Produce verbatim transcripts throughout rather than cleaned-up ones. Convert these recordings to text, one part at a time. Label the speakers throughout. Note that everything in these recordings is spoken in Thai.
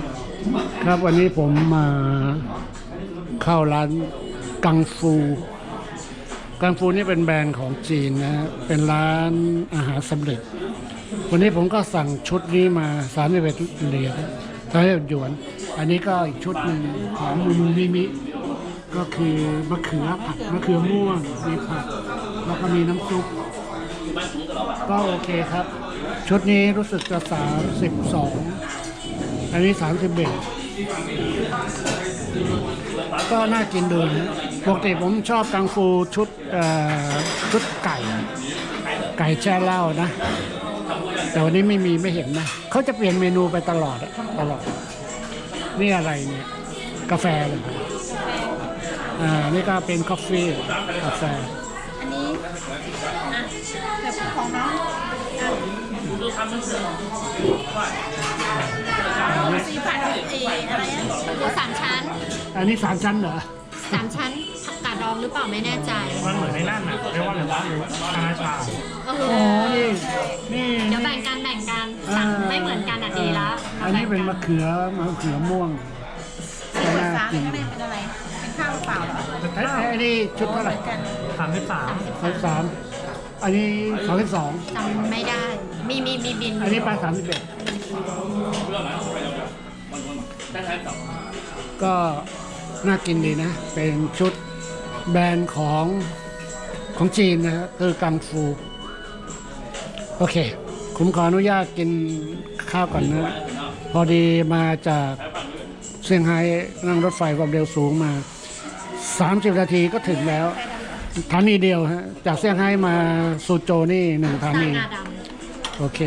Speaker 1: ครับวันนี้ผมมาเข้าร้านกังฟูกังฟูนี่เป็นแบรนด์ของจีนนะเป็นร้านอาหารสำเร็จวันนี้ผมก็สั่งชุดนี้มาสามสิบเอ็ดเหรียญสามสิบเอ็ดหยวนอันนี้ก็อีกชุดหนึ่งของมูมูมิมิก็คือมะเขือผัดมะเขือม่วงมีผักแล้วก็มีน้ำซุปก็โอเคครับชุดนี้รู้สึกจะสามสิบสองอันนี้สามสิบเอ็ดก็น่ากินดูนะปกติผมชอบกังฟูชุดชุดไก่ไก่แช่เหล้านะแต่วันนี้ไม่มีไม่เห็นนะเขาจะเปลี่ยนเมนูไปตลอดตลอดนี่อะไรเนี่ยกาแฟเลยอ่านี่ก็เป็นกาแฟกาแฟ
Speaker 2: อันนี้อ่ะแบบของน้องอ่ะสีผัดเออะไรอ่ะหมูสามชั้น
Speaker 1: อันนี้สามชั้นเหรอ
Speaker 2: สามชั้นผักกาดดองหรือเปล่าไม่แน่ใจ
Speaker 3: มันเหมือนในนั่นน่ะเรียกว่าอะไรวะคาราชา
Speaker 2: โอ้
Speaker 1: โหนี่นี่
Speaker 2: เดี๋ยวแบ่งกันแบ่งกันสั่งไม่เหมือนกันอ่ะดีละ
Speaker 1: อันนี้เป็นมะเขือมะเขือม่วง
Speaker 2: น่ากินเป็นอะไรเป็นข้าวเปล่าเหรอ
Speaker 1: ไอ้นี่ชุดเท่าไหร่
Speaker 3: สามสิบสาม
Speaker 1: สามสามอันนี้สามสิบสอง
Speaker 2: จำไม่ได้มีมีมีบิน
Speaker 1: อันนี้ปลาสามสิบเอ็ดก็น่ากินดีนะเป็นชุดแบรนด์ของของจีนนะคือกังฟูโอเคผมขออนุญาตกินข้าวก่อนนะพอดีมาจากเซี่ยงไฮ้นั่งรถไฟความเร็วสูงมาสามสิบนาทีก็ถึงแล้วสถานีเดียวฮะจากเซี่ยงไฮ้มาซูโจวนี่หนึ่งสถานีโอเค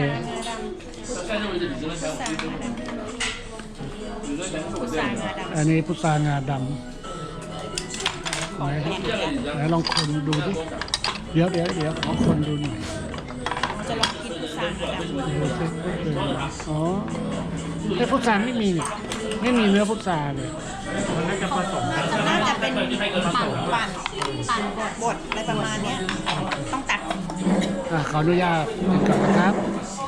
Speaker 1: อันนี้พุทรางาดำไหนไหนลองคนดูดิเดี๋ยวเดี๋ยวเดี๋ยวขอคนดูหน่อย
Speaker 2: จะลองกินพุทรางาดำ
Speaker 1: อ๋อแต่พุทราไม่มีเนี่ยไม่มีเนื้อพุทราเลย
Speaker 3: มันน่าจะผสมกัน
Speaker 2: น่าจะเป็นปั่นปั่นปั่นบดบดอะไรประมาณนี้ต้องตัด
Speaker 1: ขออนุญาตก่อนนะครับ